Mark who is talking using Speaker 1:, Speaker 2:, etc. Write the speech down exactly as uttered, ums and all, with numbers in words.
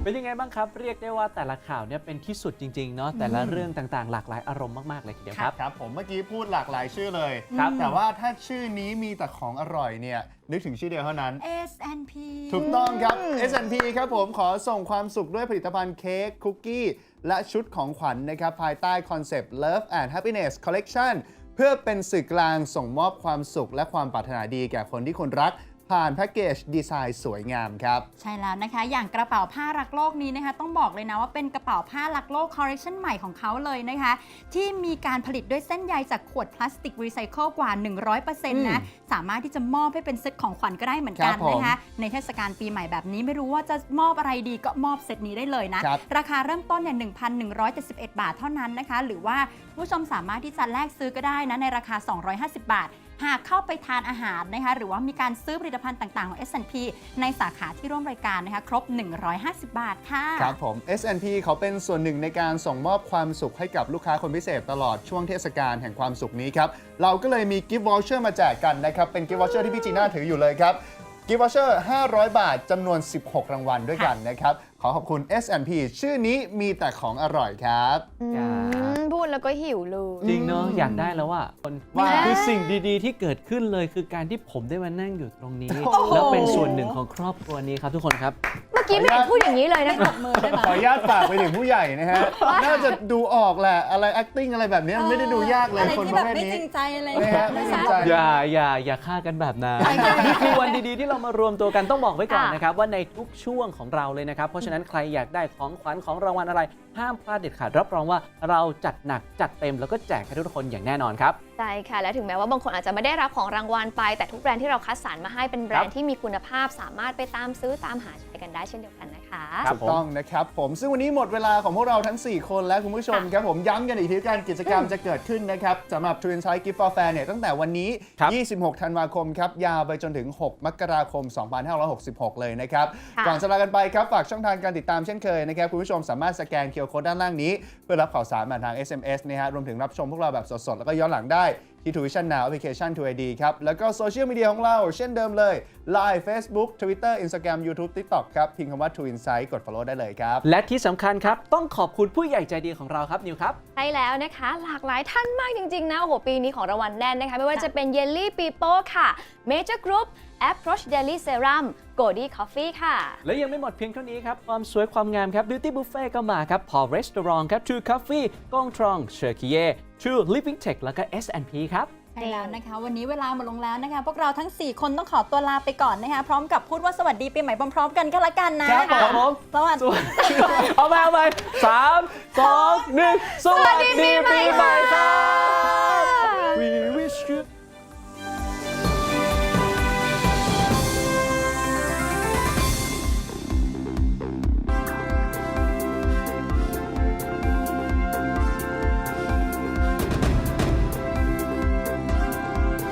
Speaker 1: เป็นยังไงบ้างครับเรียกได้ว่าแต่ละข่าวเนี่ยเป็นที่สุดจริงๆเนาะแต่ละเรื่องต่างๆหลากหลายอารมณ์มากๆเลยทีเดียวครับ
Speaker 2: ครับผมเมื่อกี้พูดหลากหลายชื่อเลย
Speaker 1: ครับ
Speaker 2: แต่ว่าถ้าชื่อนี้มีแต่ของอร่อยเนี่ยนึกถึงชื่อเดียวเท่านั้น
Speaker 3: เอส แอนด์ พี
Speaker 2: ถูกต้องครับ เอส แอนด์ พี ครับผมขอส่งความสุขด้วยผลิตภัณฑ์เค้กคุกกี้และชุดของขวัญ นะครับภายใต้คอนเซปต์ Love and Happiness Collection เพื่อเป็นสื่อกลางส่งมอบความสุขและความปรารถนาดีแก่คนที่คุณรักผ่านแพ็กเกจดีไซน์สวยงามครับ
Speaker 3: ใช่แล้วนะคะอย่างกระเป๋าผ้ารักโลกนี้นะคะต้องบอกเลยนะว่าเป็นกระเป๋าผ้ารักโลกคอลเลคชันใหม่ของเขาเลยนะคะที่มีการผลิตด้วยเส้นใยจากขวดพลาสติกรีไซเคิลกว่า หนึ่งร้อยเปอร์เซ็นต์ นะสามารถที่จะมอบให้เป็นเซตของขวัญก็ได้เหมือนกันนะคะในเทศกาลปีใหม่แบบนี้ไม่รู้ว่าจะมอบอะไรดีก็มอบเซตนี้ได้เลยนะ
Speaker 2: ร
Speaker 3: ราคาเริ่มต้นเนี่ย หนึ่งพันหนึ่งร้อยเจ็ดสิบเอ็ด บาทเท่านั้นนะคะหรือว่าผู้ชมสามารถที่จะแลกซื้อก็ได้นะในราคาสองร้อยห้าสิบบาทหากเข้าไปทานอาหารนะคะหรือว่ามีการซื้อผลิตภัณฑ์ต่างๆของ เอส แอนด์ พี ในสาขาที่ร่วมรายการนะคะครบ หนึ่งร้อยห้าสิบบาทค่ะ
Speaker 2: ครับผม เอส แอนด์ พี เขาเป็นส่วนหนึ่งในการส่งมอบความสุขให้กับลูกค้าคนพิเศษตลอดช่วงเทศกาลแห่งความสุขนี้ครับเราก็เลยมีกิฟต์วอเชอร์มาแจกกันนะครับเป็นกิฟต์วอเชอร์ที่พี่จีน่าถืออยู่เลยครับกิฟต์วอเชอร์ห้าร้อยบาทจำนวนสิบหกรางวัลด้วยกันนะครับขอขอบคุณ เอส แอนด์ พี ชื่อนี้มีแต่ของอร่อยครับ
Speaker 4: พูดแล้วก็หิวเลย
Speaker 1: จริงเนาะอยากได้แล้วว่า
Speaker 2: ว่า
Speaker 1: คือสิ่งดีๆที่เกิดขึ้นเลยคือการที่ผมได้มานั่งอยู่ตรงนี้ แล้วเป็นส่วนหนึ่งของครอบครัวนี้ครับทุกคนครับ
Speaker 4: เมื่อกี้ไม่เห็นพูดอย่างนี้เลยนะ
Speaker 3: ตบมือได้ไหม
Speaker 2: ขออนุญาตฝากไปถึงผู้ใหญ่นะฮะ น่าจะดูออกแหละ อะไร acting อะไรแบบนี้มันไม่ได้ดูยากเลย
Speaker 3: อะไร
Speaker 2: คน
Speaker 3: ที่
Speaker 2: ป
Speaker 3: แบ
Speaker 2: ระ
Speaker 3: บ
Speaker 2: เภท
Speaker 3: ไม่
Speaker 2: นี้
Speaker 3: จริงใจอะไร
Speaker 2: นะฮะไม่จริงใจ
Speaker 1: อย่าอย่าอย่าฆ่ากันแบบนั้นนี่คือวันดีๆที่เรามารวมตัวกันต้องบอกไว้ก่อนนะครับว่าในทุกช่วงของเราเลยนะครับเพราะฉะนั้นใครอยากได้ของขวัญของรางวัลอะไรห้ามพลาดเด็ดขาดรับรองว่าเราจัดหนักจัดเต็มแล้วก็แจกให้ทุกคนอย่างแน่นอนครับ
Speaker 4: ใช่ค่ะและถึงแม้ว่าบางคนอาจจะไม่ได้รับของรางวัลไปแต่ทุกแบรนด์ที่เราคัดสรรมาให้เป็นแบรนด์ที่มีคุณภาพสามารถไปตามซื้อตามหาใช้กันได้เช่นเดียวกันนะคะ
Speaker 2: ถูกต้องนะครับผมซึ่งวันนี้หมดเวลาของพวกเราทั้งสี่คนและคุณผู้ชมครับผมย้ำกันอีกทีการกิจกรรมจะเกิดขึ้นนะครับสำหรับ True Insight Gift for Fair เนี่ยตั้งแต่วันนี้ยี่สิบหกธันวาคมครับยาวไปจนถึงหกมกราคมสองพันห้าร้อยหกสิบหกเลยนะครับก่อนจะลากันไปครับฝากช่องทางการติดตามเช่นเคยนะครับคุณผู้ชมสามารถสแกน คิว อาร์ Code ด้านล่างนี้เพื่อรับข่าวสารผ่านทาง เอส เอ็ม เอส นะฮะรวมถึงรับชมพวกเราแบบสดๆแล้วก็ย้อนหลังได้ที่ ทู วิชั่น Now แอปพลิเคชัน ทู ไอ ดี ครับแล้วก็โซเชียลมีเดียของเราเช่นเดิมเลย ไลน์ Facebook Twitter Instagram YouTube TikTok ครับพิมพ์คำว่า True Insight กด follow ได้เลยครับ
Speaker 1: และที่สำคัญครับต้องขอบคุณผู้ใหญ่ใจดีของเราครับนิวครับ
Speaker 4: ใช่แล้วนะคะหลากหลายท่านมากจริงๆนะโอ้โหปีนี้ของรางวัลแน่นนะคะไม่ว่าจะเป็นเยลลี่ปีโป้ค่ะ Major Group Approach Daily Serum Godi Coffee ค่ะ
Speaker 1: และยังไม่หมดเพียงเท่านี้ครับความสวยความงามครับ Beauty Buffet ก็มาครับ Paul Restaurant ครับ True Coffee กงทรองเชอร์คิเย่ True Living Tech แล้วก็ เอส แอนด์ พี ครับ
Speaker 3: ใช่แล้วนะคะวันนี้เวลาหมดลงแล้วนะคะพวกเราทั้งสี่คนต้องขอตัวลาไปก่อนนะคะพร้อมกับพูดว่าสวัสดีปีใหม่พร้อมๆกันก็แล้วกันนะครับ
Speaker 1: ผม
Speaker 3: สวัสดี
Speaker 1: เอาไปเอาไปสามสองหนึ่งสวัสดีปีใหม่ครับ